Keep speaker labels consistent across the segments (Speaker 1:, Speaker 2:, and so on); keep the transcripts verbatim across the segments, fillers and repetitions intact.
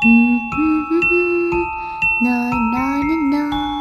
Speaker 1: นานานานา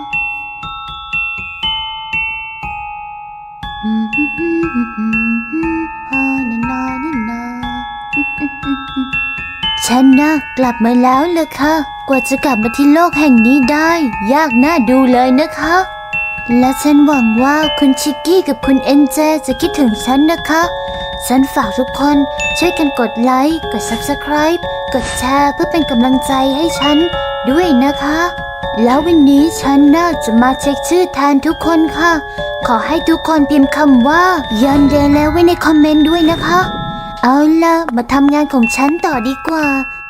Speaker 1: ฉันน่ะกลับมาแล้วล่ะค่ะกว่าจะกลับมาที่โลกแห่งนี้ได้ยากน่าดูเลยนะคะและฉันหวังว่าคุณชิกกี้กับคุณเอ็นเจจะคิดถึงฉันนะคะฉันฝากทุกคนช่วยกันกดไลค์กด ซับสไครบ์ กดแชร์เพื่อเป็นกำลังใจให้ฉันด้วยนะคะแล้ววันนี้ฉันน่าจะมาเช็คชื่อแทนทุกคนค่ะขอให้ทุกคนพิมพ์คำว่ายันเดแล้วไว้ในคอมเมนต์ด้วยนะคะเอาล่ะมาทำงานของฉันต่อดีกว่า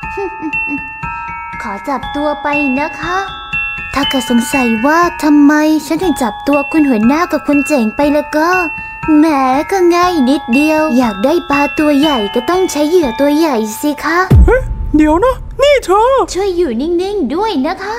Speaker 1: ขอจับตัวไปนะคะถ้าเกิดสงสัยว่าทำไมฉันถึงจับตัวคุณหัวหน้ากับคุณเจ๋งไปแล้วก็แหมก็ง่ายนิดเดียวอยากได้ปลาตัวใหญ่ก็ต้องใช้เหยื่อตัวใหญ่สิคะ
Speaker 2: เฮ้ยเดี๋ยวนะนี่เธอ
Speaker 1: ช่วยอยู่นิ่งๆด้วยนะคะ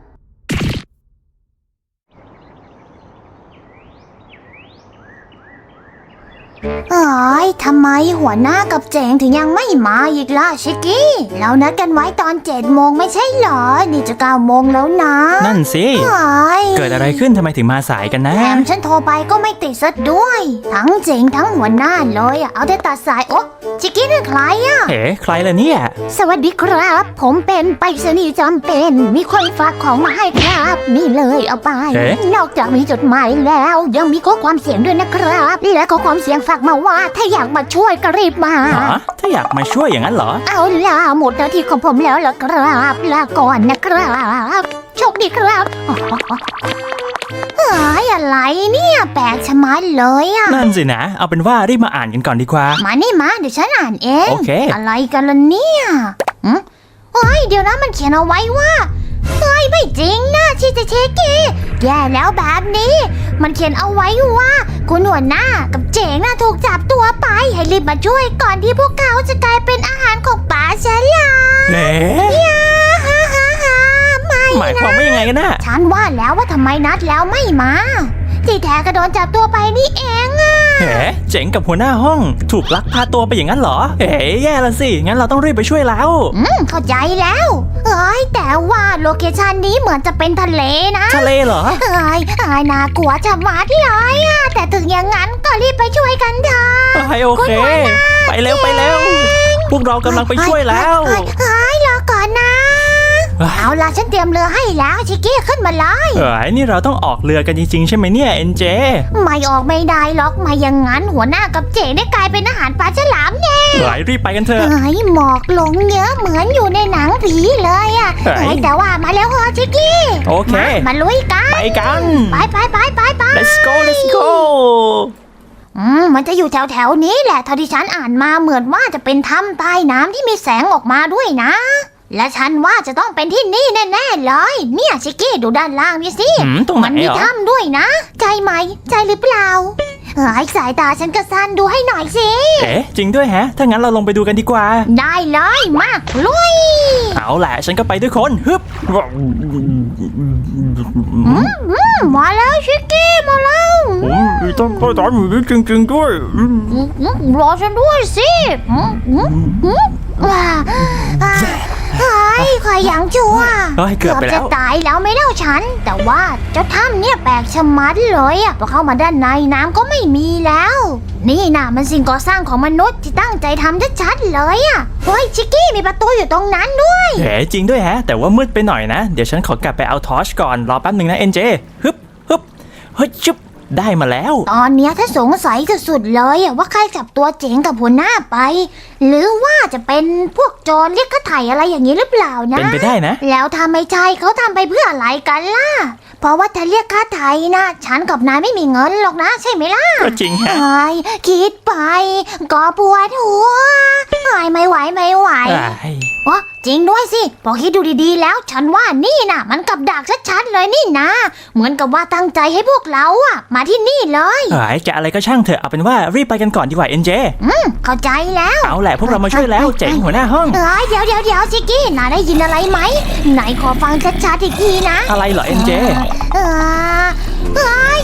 Speaker 1: เอ้ยทำไมหัวหน้ากับเจ๋งถึงยังไม่มาอีกล่ะชิกกี้เรานัดกันไว้ตอนเจ็ดโมงไม่ใช่เหรอนี่จะเก้าโมงแล้วนะ
Speaker 2: นั่นสิเกิดอะไรขึ้นทำไมถึงมาสายกันนะ
Speaker 1: แถมฉันโทรไปก็ไม่ติดซะด้วยทั้งเจ๋งทั้งหัวหน้าเลยเอาแต่ตัดสายโอ๊ะชิกกี้นี่ใครอ่ะ
Speaker 2: เอ๋ใครล่ะเนี่ย
Speaker 1: สวัสดีครับผมเป็นไปรษณีย์จำเป็นมีคนฝากของมาให้ครับนี่เลยเอาไปนอกจากมีจดหมายแล้วยังมีข้อความเสียงด้วยนะครับและข้อความเสียงฝากมาว่าถ้าอยากมาช่วยก็รีบมา
Speaker 2: ถ้าอยากมาช่วยอย่างนั้นเหรอ
Speaker 1: เอาล่ะหมดหน้าที่ของผมแล้วล่ะครับลาก่อนนะครับโชคดีครับเฮ้ยอะไรเนี่ยแปลกชะมัดเลยอ่ะ
Speaker 2: นั่นสินะเอาเป็นว่ารีบมาอ่านกันก่อนดีกว่า
Speaker 1: มานี่มาเดี๋ยวฉันอ่านเอง
Speaker 2: โอเค
Speaker 1: อะไรกันล่ะเนี่ยเฮ้ยเดี๋ยวนะมันเขียนเอาไว้ว่าเฮ้ยไม่จริงนะชิเจเชกิแย่แล้วแบบนี้มันเขียนเอาไว้ว่าคุณหัวหน้ากับเจ๋งน่ะถูกจับตัวไปให้รีบมาช่วยก่อนที่พวกเขาจะกลายเป็นอาหารของป่าฉลาม
Speaker 2: เอ๊
Speaker 1: ะฮ่าฮ่าฮ่าไม่
Speaker 2: หมายความว่ายังไงกันนะ
Speaker 1: ฉันว่าแล้วว่าทำไมนัดแล้วไม่มาที่แท้ก็โดนจับตัวไปนี่เองอ่ะ
Speaker 2: เฮ้เจ๋งกับหัวหน้าห้องถูกลักพาตัวไปอย่างนั้นเหรอเฮ้แย่ละสิงั้นเราต้องรีบไปช่วยแล้ว
Speaker 1: อืมเข้าใจแล้วเอ้ยแต่ว่าโลเคชันนี้เหมือนจะเป็นทะเลนะ
Speaker 2: ทะเลเหรอ
Speaker 1: เอ้ยเอ้ยน่ากลัวจะมาที่เลยอ่ะแต่ถึงอย่างนั้นก็รีบไปช่วยกันเถอะ
Speaker 2: โอเคไปเร็วไปเร็วพวกเรากำลังไปช่วยแล้ว
Speaker 1: เฮ้ยรอก่อนนะเอาล่ะฉันเตรียมเรือให้แล้วชิคกี้ขึ้นมาเลย
Speaker 2: เอ้ยนี่เราต้องออกเรือกันจริงๆใช่ไหมเนี่ยเอ็นเจ
Speaker 1: ไม่ออกไม่ได้หรอกไม่อย่างนั้นหัวหน้ากับเจ๋ได้กลายเป็นอาหารปลาฉลามแน่
Speaker 2: เฮ้ยรีบไปกันเถอะ
Speaker 1: เฮ้ยหมอกลงเยอะเหมือนอยู่ในหนังผีเลยอ่ะเฮ้ยแต่ว่ามาแล้วเหรอชิคกี้
Speaker 2: โอเค
Speaker 1: มาลุยกัน
Speaker 2: ไปกัน
Speaker 1: ไปไปไปไปไป
Speaker 2: let's go let's go
Speaker 1: อืมมันจะอยู่แถวแถวนี้แหละเท่าที่ฉันอ่านมาเหมือนว่าจะเป็นถ้ำใต้น้ำที่มีแสงออกมาด้วยนะและฉันว่าจะต้องเป็นที่นี่แน่ๆเลยเนี่ยชิคกี้ดูด้านล่างนี่สิ
Speaker 2: มัน
Speaker 1: มีถ้ำด้วยนะใจไหมใจหรือเปล่าเฮ้ยสายตาฉันก็สั้นดูให้หน่อยสิ
Speaker 2: เอ๊ะจริงด้วยแฮะถ้างั้นเราลงไปดูกันดีกว่า
Speaker 1: ได้เลยมากลุย
Speaker 2: เอาแหละฉันก็ไปด้วยคนฮึบ
Speaker 1: มาแล้วชิคกี้มาแล้ว
Speaker 2: ต้องเข้าใจมือจริงๆด้วย
Speaker 1: รอฉันด้วยสิว้าเฮ้ยคอยยังชั่ว
Speaker 2: เกือบ
Speaker 1: จะตายแล้วไม่เล่าฉันแต่ว่าเจ้าถ้ำเนี่ยแปลกชะมัดเลยอ่ะพอเข้ามาด้านในน้ำก็ไม่มีแล้วนี่นะมันสิ่งก่อสร้างของมนุษย์ที่ตั้งใจทำชัดๆเลยอ่ะเฮ้ยชิคกี้มีประตูอยู่ตรงนั้นด้วย
Speaker 2: เฮ้จริงด้วยฮะแต่ว่ามืดไปหน่อยนะเดี๋ยวฉันขอกลับไปเอาทอร์ชก่อนรอแป๊บหนึ่งนะเอ็นเจฮึบฮึบเฮ้ยชุบได้มาแล้ว
Speaker 1: ตอนเนี้ยถ้าสงสัยสุดๆเลยว่าใครจับตัวเจ๋งกับหัวหน้าไปหรือว่าจะเป็นพวกโจรเรียกค่าไถ่อะไรอย่างนี้หรือเปล่านะ
Speaker 2: เป็นไปได้นะ
Speaker 1: แล้วถ้าไม่ใช่เขาทำไปเพื่ออะไรกันล่ะเพราะว่าถ้าเรียกค่าไถ่นะฉันกับนายไม่มีเงินหรอกนะใช่ไหมล่ะ
Speaker 2: ก็จริงฮะ
Speaker 1: คิดไปก็ปวดหัวไม่ไหวไม่ไหววะจริงด้วยสิพอคิดดูดีๆแล้วฉันว่านี่นะมันกับดักชัดๆเลยนี่นะเหมือนกับว่าตั้งใจให้พวกเราอะมาที่นี่เลย
Speaker 2: เฮ้ยจะอะไรก็ช่างเถอะเอาเป็นว่ารีบไปกันก่อนดีกว่าเอ็นเจ
Speaker 1: อืมเข้าใจแล้ว
Speaker 2: เอาแหละพวกเรามาช่วยแล้วเจ๋งหัวหน้าห้อง
Speaker 1: เฮ้ยเดี๋ยวเดี๋ยวเดี๋ยวชิคกี้นายได้ยินอะไรไหมไหนขอฟังชัดๆอีกทีนะ
Speaker 2: อะไรเหรอเอ็นเจ
Speaker 1: เออเฮ้ย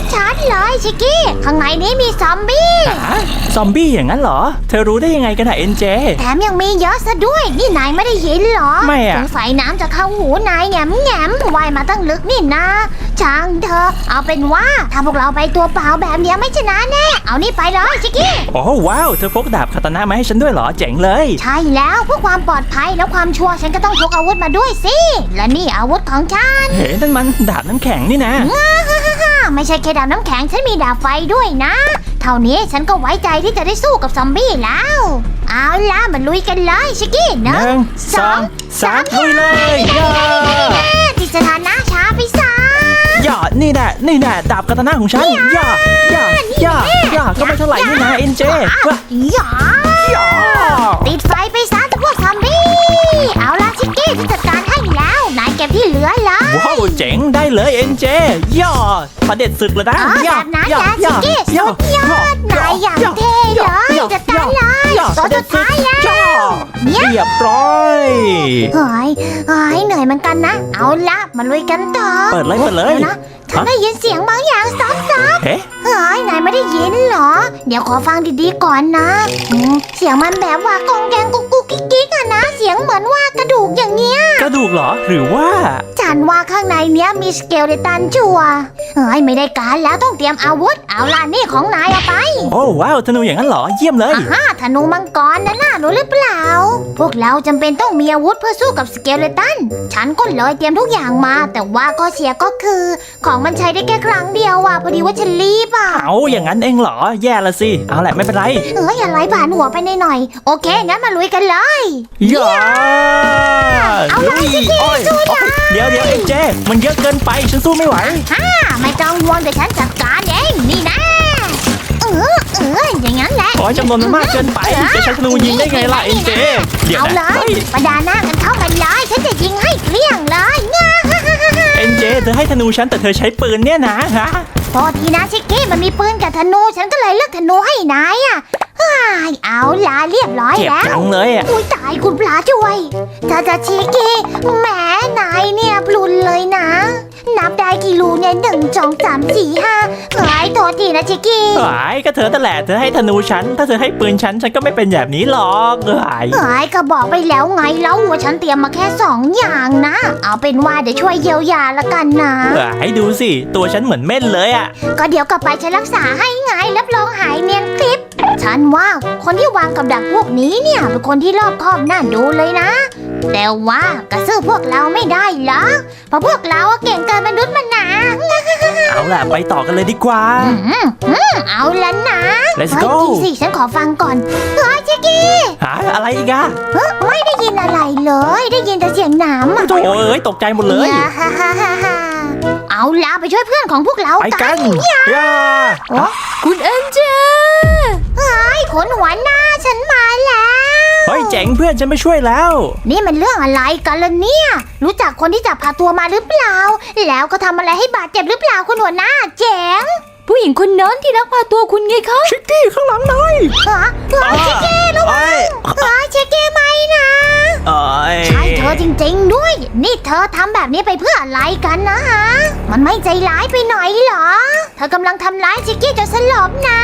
Speaker 1: ชัดๆเลยชิกกี้ข้างในนี้มีซอมบี้
Speaker 2: ฮะซอมบี้อย่างนั้นเหรอเธอรู้ได้ยังไงกันอะเอ็นเจ
Speaker 1: แถมยังมีเยอะซะด้วยนี่นายไม่ได้ยินเหรอ
Speaker 2: ไม่อะ
Speaker 1: สงสัยน้ำจะเข้าหูนายแง่มแง่มว่ายมาตั้งลึกนี่นะช่างเธอเอาเป็นว่าถ้าพวกเราไปตัวเปล่าแบบเนี้ยไม่ชนะแน่เอานี่ไปเลยชิกกี้
Speaker 2: โอ้ว้าวเธอพกดาบคาตานะมาให้ฉันด้วยเหรอเจ๋งเลย
Speaker 1: ใช่แล้วเพื่อความปลอดภัยและความชัวร์ฉันก็ต้องพกอาวุธมาด้วยสิและนี่อาวุธของฉัน
Speaker 2: เฮ้นั่นมันดาบน้ำแข็งนี่นะ
Speaker 1: ไม่ใช่แค่ดาบน้ำแข็งฉันมีดาบไฟด้วยนะ เท่านี้ฉันก็ไว้ใจที่จะได้สู้กับซอมบี้แล้ว เอาล่ะมาลุยกันเลยชิกกี้
Speaker 2: ห
Speaker 1: หนึ่
Speaker 2: นึ่
Speaker 1: ง
Speaker 2: งสองสามลุยเลยย่า
Speaker 1: ที่สถานะช้าไปซะ
Speaker 2: ย่านี่แน่นี่แน่ดาบคาตานะของฉันย่าย่าย่าย่าก็ไม่เท่าไหร่นี่นะเอ็นเจว้า
Speaker 1: อย่า
Speaker 2: ย่า
Speaker 1: ติดไฟไปซะพวกซอมบี้เอาล่ะชิกกี้ที่จัดการให้แล้วนายเก็บที่เหลือเลย
Speaker 2: ว้าวเจ๋งได้เลยเอ็นเจย่าประเด็ดศึกเลยนะ
Speaker 1: อ๋อแบบนั้นนะชิกกี้สุดยอดนายอย่างเท่เลยจัดการเลยโซนสุดท้ายแล้วเนี่ย
Speaker 2: เรียบร้อย
Speaker 1: เฮ้ยเฮ้ยเหนื่อยเหมือนกันนะ เอาละมาลุยกันต่อ
Speaker 2: เปิดเลยเปิดเลย
Speaker 1: ดี๋วนะฉันได้ยินเสียงบางอย่างซับซับ
Speaker 2: เฮ้
Speaker 1: เฮ้ยนายไม่ได้ยินเหรอ เดี๋ยวขอฟังดีๆก่อนนะอืมเสียงมันแบบว่ากองแกงกุ๊กกุ๊กกิ๊กกิ๊กอะนะ เสียงเหมือนว่ากระดูกอย่างเงี้ย
Speaker 2: กระดูกเหรอหรือว่า
Speaker 1: ฉันว่าข้างในเนี้ยมีสเกลเลตันชัวร์เฮ้ยไม่ได้การแล้วต้องเตรียมอาวุธ เอาล่ะนี่ของนายเอาไป
Speaker 2: โอ้ว้าวธนูอย่างนั้นเหรอเยี่ยมเลย
Speaker 1: อ่าฮะธนูมังกรนะน่ารู้หรือเปล่า พวกเราจำเป็นต้องมีอาวุธเพื่อสู้กับสเกลเลตัน ฉันก็เลยเตรียมทุกอย่างมา แต่ว่าข้อเสียก็คือ ของมันใช้ได้แค่ครั้งเดียวอ่ะพอดีว่าฉันรีบอ่ะ
Speaker 2: เอาอย่างนั้นเองเหรอแย่ละสิเอาแหละไม่เป็นไร
Speaker 1: เอ้ยอะไรผ่านหัวไปหน่อยๆโอเคงั้นมาลุยกันเลย
Speaker 2: ย่า
Speaker 1: เอาล่ะ
Speaker 2: ลุย
Speaker 1: ชิคกี้
Speaker 2: โอ้ย
Speaker 1: สู้นะ
Speaker 2: โอ้ยเดี๋ยวเดี๋ยวเอ็นเจมันเยอะเกินไปฉันสู้ไม่ไหว
Speaker 1: ฮ่าไม่ต้องห่วงเดี๋ยวฉันจัดการเองนี่นะเออเอออย่างนั้นแหละ
Speaker 2: โอ้ยจำนวนมันมากเกินไปจะใช้ธนูยิงได้ไงล่ะเอ็นเจเดี๋ยว
Speaker 1: เอาเล
Speaker 2: นะ
Speaker 1: ย
Speaker 2: เฮ้ย
Speaker 1: ประดาหน้ากันเข้ามาเลยฉันจะยิงให้เกลี้ยงเลยง่า
Speaker 2: เอ็นเจเธอให้ธนูฉันแต่เธอใช้ปืนเนี่ยนะฮะ
Speaker 1: โทษทีนะชิคกี้มันมีปืนกับธนูฉันก็เลยเลือกธนูให้นายอ่ะเฮ้ยเอาล่ะเรียบร้อย
Speaker 2: เจ็บ
Speaker 1: แล้ว
Speaker 2: จังเลยอ่ะ
Speaker 1: อุ้ยตายคุณพระช่วยจ้าจ้าชิคกี้แหมนายเนี่ยพลุนเลยนะ นับได้กี่รูเนี่ยหนึ่งสองสามสี่ห้าเฮ้ยโทษทีนะชิคกี้
Speaker 2: หายก็เธอแต่นแหละเธอให้ธนูฉันถ้าเธอให้ปืนฉันฉันก็ไม่เป็นแบบนี้หรอกหาย
Speaker 1: เฮ้ยก็บอกไปแล้วไงแล้วว่าฉันเตรียมมาแค่สองอย่างนะ เอาเป็นว่าเดี๋ยวช่วยเยียวยาละกันนะ
Speaker 2: หายดูสิตัวฉันเหมือนเม่นเลยอ่ะ
Speaker 1: ก็เดี๋ยวกลับไปฉันรักษาให้ไงรับรองหายเนียนคลิป ฉันว่าคนที่วางกับดักพวกนี้เนี่ยเป็นคนที่รอบคอบน่าดูเลยนะ แต่ว่ากระซื้อพวกเราไม่ได้หรอกเพราะพวกเราอะเก่งเกินมนุษย์มนา
Speaker 2: เอาล่ะไปต่อกันเลยดีกว่า
Speaker 1: อืมอืมเอาละนะ
Speaker 2: Let's
Speaker 1: เฮ้ย
Speaker 2: go
Speaker 1: จริงสิฉันขอฟังก่อนเฮ้ยชิคกี้
Speaker 2: หาอะไรอีกอะ
Speaker 1: เฮ้ยไม่ได้ยินอะไรเลย ได้ยินแต่เสียงน้ำอะ
Speaker 2: โถ่เอ้ยตกใจหมดเลย
Speaker 1: ฮ่าฮ่าฮ่าฮ่าเอาล่ะไปช่วยเพื่อนของพวกเรา
Speaker 2: ไปกันย่า
Speaker 1: คุณเอ็นเจเฮ้ยขนหัวหน้าฉันมาแล้ว
Speaker 2: เฮ้ยเจ๋งเพื่อนฉันไม่ช่วยแล้ว
Speaker 1: นี่มันเรื่องอะไรกันล่ะเนี่ย รู้จักคนที่จับพาตัวมาหรือเปล่า แล้วก็ทำอะไรให้บาดเจ็บหรือเปล่าคุณหัวหน้าเจ๋ง
Speaker 3: ผู้หญิงคนนั้นที่ลักพาตัวคุณไงคะ
Speaker 2: ชิกกี้ข้างหลังหน่อย
Speaker 1: ฮะเฮ้ยชิคกี้ระวัง
Speaker 2: เอ้ย
Speaker 1: เฮ้ยชิคกี้ไม่นะ
Speaker 2: เอ้ย
Speaker 1: ใช่เธอจริงๆด้วย นี่เธอทำแบบนี้ไปเพื่ออะไรกันนะฮะ มันไม่ใจร้ายไปหน่อยเหรอ เธอกำลังทำร้ายชิคกี้จนสลบนะ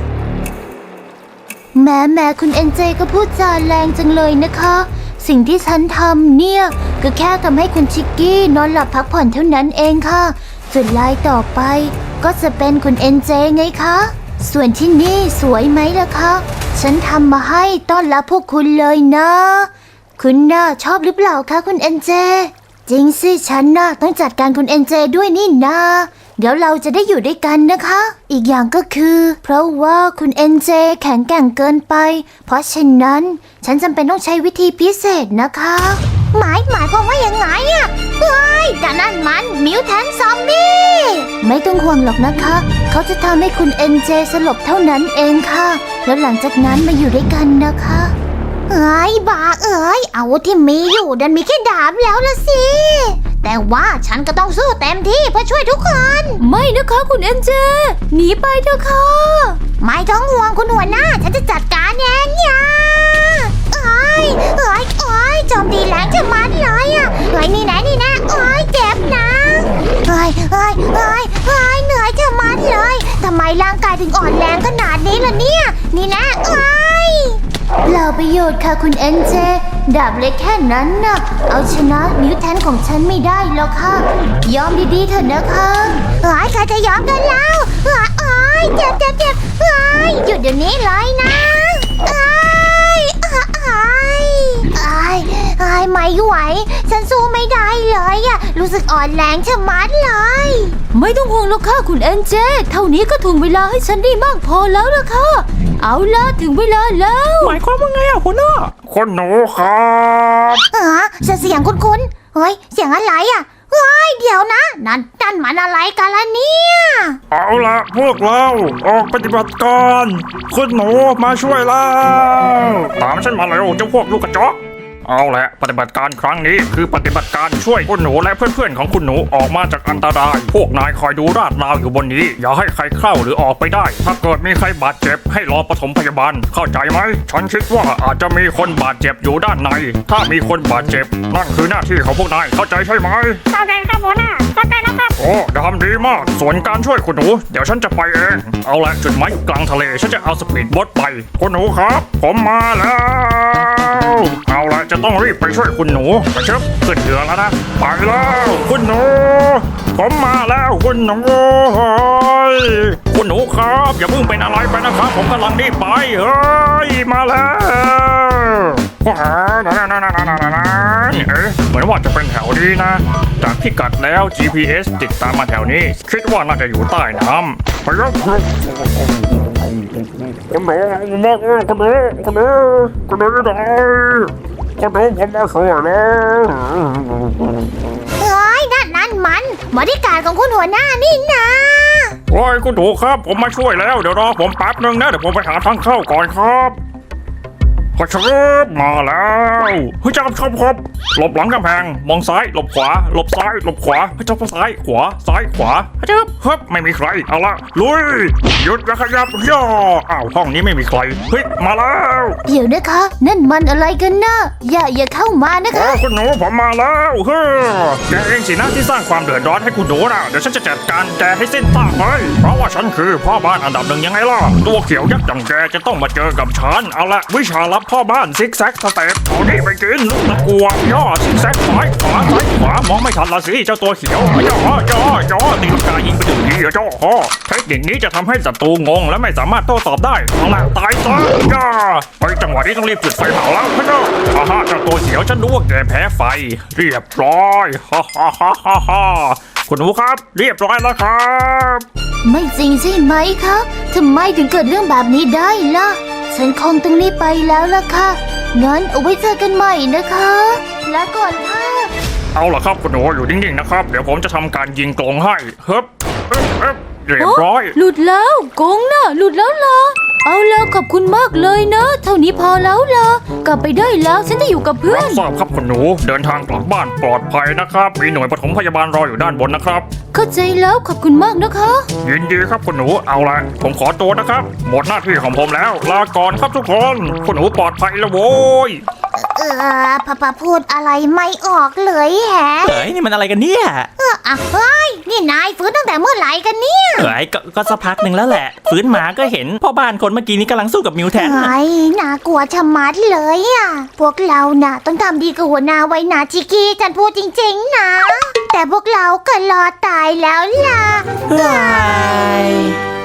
Speaker 3: แม่แม่คุณเอ็นเจก็พูดจาแรงจังเลยนะคะ สิ่งที่ฉันทำเนี่ยก็แค่ทำให้คุณชิกกี้นอนหลับพักผ่อนเท่านั้นเองค่ะส่วนลายต่อไปก็จะเป็นคุณเอ็นเจไงคะส่วนที่นี่สวยไหมล่ะคะฉันทำมาให้ต้อนรับพวกคุณเลยนะ คุณน่าชอบหรือเปล่าคะคุณเอ็นเจจริงสิฉันน่ะต้องจัดการคุณเอ็นเจด้วยนี่นะเดี๋ยวเราจะได้อยู่ด้วยกันนะคะ อีกอย่างก็คือ เพราะว่าคุณเอ็นเจแข็งแกร่งเกินไป เพราะฉะนั้นฉันจำเป็นต้องใช้วิธีพิเศษนะคะ
Speaker 1: หมายหมายความว่ายังไงอะเฮ้ยแต่นั่นมันมิวแทนซอมบี้
Speaker 3: ไม่ต้องห่วงหรอกนะคะ เขาจะทำให้คุณเอ็นเจสลบเท่านั้นเองค่ะ แล้วหลังจากนั้นมาอยู่ด้วยกันนะคะ
Speaker 1: เอ้ยบ้าเอ้ยอาวุธที่มีอยู่ดันมีแค่ดาบแล้วละสิ แต่ว่าฉันก็ต้องสู้เต็มที่เพื่อช่วยทุกคน
Speaker 3: ไม่นะคะคุณเอ็นเจหนีไปเถอะค่ะ
Speaker 1: ไม่ต้องห่วงคุณหัวหน้า ฉันจะจัดการเองเนี่ยเอ้ยเอ้ยเอ้ยโจมตีแรงจะมัดเลยอ่ะเอ้ยนี่นะนี่นะเอ้ยเจ็บนะเอ้ยเอ้ยเอ้ยเอ้ยเหนื่อยจะมัดเลชน์ค่ะคุณเอ็นเจดาบเล็กแค่นั้นน่ะเอาชนะมิวแทนของฉันไม่ได้หรอกค่ะยอมดีๆเถอะนะคะ
Speaker 3: เฮ้ยใครจะยอมกันแล้วเฮ้ยเอ้ยเจ็บเจ็บเจ็บเฮ้ยหยุดเดี๋ยวนี้เลยนะเอ้ยเอ้ยเอ้ยเอ้ยเอ้ยไม่ไหวฉันสู้ไม่ได้เลยอะรู้สึกอ่อนแรงชะมัดเลย
Speaker 1: ไม่ต้องห่วงหรอกค่ะคุณเอ็นเจเท่านี้ก็ถึงเวลาให้ฉันได้มากพอแล้วล่ะค่ะเอาล่ะถึงเวลาแล้ว
Speaker 2: หมายความว่าไงอ่ะหัวหน้า
Speaker 4: คุณหนูครับ
Speaker 3: เออเสียงคุ้นๆเฮ้ยเสียงอะไรอะเฮ้ยเดี๋ยวนะนั่นนั่นมันอะไรกันล่ะเนี่ย
Speaker 4: เอาละพวกเราออกปฏิบัติการ คุณหนูมาช่วยแล้ว ตามฉันมาเร็วเจ้าพวกลูกกระจอกเอาละปฏิบัติการครั้งนี้คือปฏิบัติการช่วยคุณหนูและเพื่อนๆของคุณหนูออกมาจากอันตราย พวกนายคอยดูราดราวอยู่บนนี้ อย่าให้ใครเข้าหรือออกไปได้ ถ้าเกิดมีใครบาดเจ็บให้รอปฐมพยาบาลเข้าใจไหมฉันคิดว่าอาจจะมีคนบาดเจ็บอยู่ด้านใน ถ้ามีคนบาดเจ็บนั่นคือหน้าที่ของพวกนายเข้าใจใช่ไหม
Speaker 3: เข้าใจครับหัวหน้าเข้าใจแล้วครับ
Speaker 4: โอ้ทำดีมาก ส่วนการช่วยคุณหนู เดี๋ยวฉันจะไปเอง เอาละจุดหมายอยู่กลางทะเล ฉันจะเอาสปีดโบ๊ทไป คุณหนูครับ ผมมาแล้ว เอาละจะต้องรีบไปช่วยคุณหนูไปเชิบขึ้นเรือแล้วนะ ไปแล้ว คุณหนู ผมมาแล้วคุณหนูเฮ้ยคุณหนูครับ อย่าเพิ่งเป็นอะไรไปนะครับ ผมกำลังรีบไป เฮ้ย มาแล้วว้าวนั่นนั่นนั่นนั่นนั่นเอ๊ะเหมือนว่าจะเป็นแถวนี้นะ จากพิกัดแล้ว จี พี เอส ติดตามมาแถวนี้ คิดว่าน่าจะอยู่ใต้น้ำไปแล้วคุณหนูคุณหนูคุณหนูคุณหนูคุณหนูคุณหนูได้คุณหนูผมมาช่วยแล้ว
Speaker 3: เฮ้ยนั่นนั่นมันบริการของคุณหัวหน้านี่นะ
Speaker 4: โอ้ยคุณหนูครับ ผมมาช่วยแล้ว เดี๋ยวรอผมแป๊บนึงนะ เดี๋ยวผมไปหาทางเข้าก่อนครับพอชบมาแล้วเฮ้ยจับครับครับหลบหลังกำแพง มองซ้าย หลบขวา หลบซ้าย หลบขวาเฮ้ยจับซ้าย ขวา ซ้าย ขวาเฮ้ยจับครับไม่มีใคร เอาละลุย หยุดแล้วขยับย่ออ้าว ห้องนี้ไม่มีใคร เฮ้ย มาแล้ว
Speaker 1: เดี๋ยวนะคะ นั่นมันอะไรกันนะอย่าอย่าเข้ามานะ
Speaker 4: โอ้
Speaker 1: คะ
Speaker 4: คุณหนูผมมาแล้วเฮ้ยแกเองสินะที่สร้างความเดือดร้อนให้คุณหนูนะเดี๋ยวฉันจะจัดการแกให้สิ้นซากเลยเพราะว่าฉันคือพ่อบ้านอันดับหนึ่งยังไงล่ะ ตัวเขียวยักษ์อย่างแกจะต้องมาเจอกับฉัน เอาละวิชาลับพ่อบ้านซิกแซกสเต็ปเอานี่ไปกินลูกตะกัวย่อซิกแซกซ้ายขวาซ้ายขวามองไม่ทันละสิเจ้าตัวเขียวย่อย่อย่อตีลังกายิงไปถึงทีย่อเทคนิคนี้จะทำให้ศัตรูงงและไม่สามารถโต้ตอบได้เอาละตายซะย่อไปจังหวะนี้ต้องรีบจุดไฟเผาแล้วพะเจ้าอาฮ่าเจ้าตัวเขียวฉันรู้ว่าแกแพ้ไฟเรียบร้อยฮ่าฮ่าฮ่าฮ่าฮ่าคุณหนูครับเรียบร้อยแล้วครับ
Speaker 1: ไม่จริงใช่ไหมคะทำไมถึงเกิดเรื่องแบบนี้ได้ล่ะฉันคงต้องรีบไปแล้วล่ะค่ะงั้นเอาไว้เจอกันใหม่นะคะลาก่อนค่ะ
Speaker 4: เอาล่ะครับคุณหนูอยู่นิ่งๆนะครับเดี๋ยวผมจะทำการยิงกลงให้เฮ้บเอ๊บเอ๊บเรียบร้อย
Speaker 1: หลุดแล้วกงน่ะหลุดแล้วล่ะเอาแล้วขอบคุณมากเลยนะ เท่านี้พอแล้วล่ะกลับไปได้แล้วฉันจะอยู่กับเพื่อ
Speaker 4: รั
Speaker 1: น
Speaker 4: บทราบครับคุณหนูเดินทางกลับบ้านปลอดภัยนะครับมีหน่วยปฐมพยาบาลรออยู่ด้านบนนะครับ
Speaker 1: เข้าใจแล้วขอบคุณมากนะคะ
Speaker 4: ยินดีครับคุณหนูเอาละผมขอตัวนะครับหมดหน้าที่ของผมแล้วลาก่อนครับทุกคนคุณหนูปลอดภัยแล้วโว้ย
Speaker 3: เออพะปะพูดอะไรไม่ออกเลยแฮะ
Speaker 2: เฮ้ยนี่มันอะไรกันเนี่ย
Speaker 3: เอออ่ะเฮ้ยนี่นายฟื้นตั้งแต่เมื่อไหร่กันเนี่ย
Speaker 2: เฮ้ยก็ก็สักพักหนึ่งแล้วแหละฟื้นมาก็เห็นพ่อบ้านคนเมื่อกี้นี้กำลังสู้กับมิวแทนน่ะ
Speaker 3: ไอ้น่ากลัวชะมัดเลยอ่ะพวกเราน่ะต้องทำดีกับหัวหน้าไว้นะชิกกี้ฉันพูดจริงๆนะ แต่พวกเราก็รอตายแล้วล่ะ
Speaker 2: เฮ้ย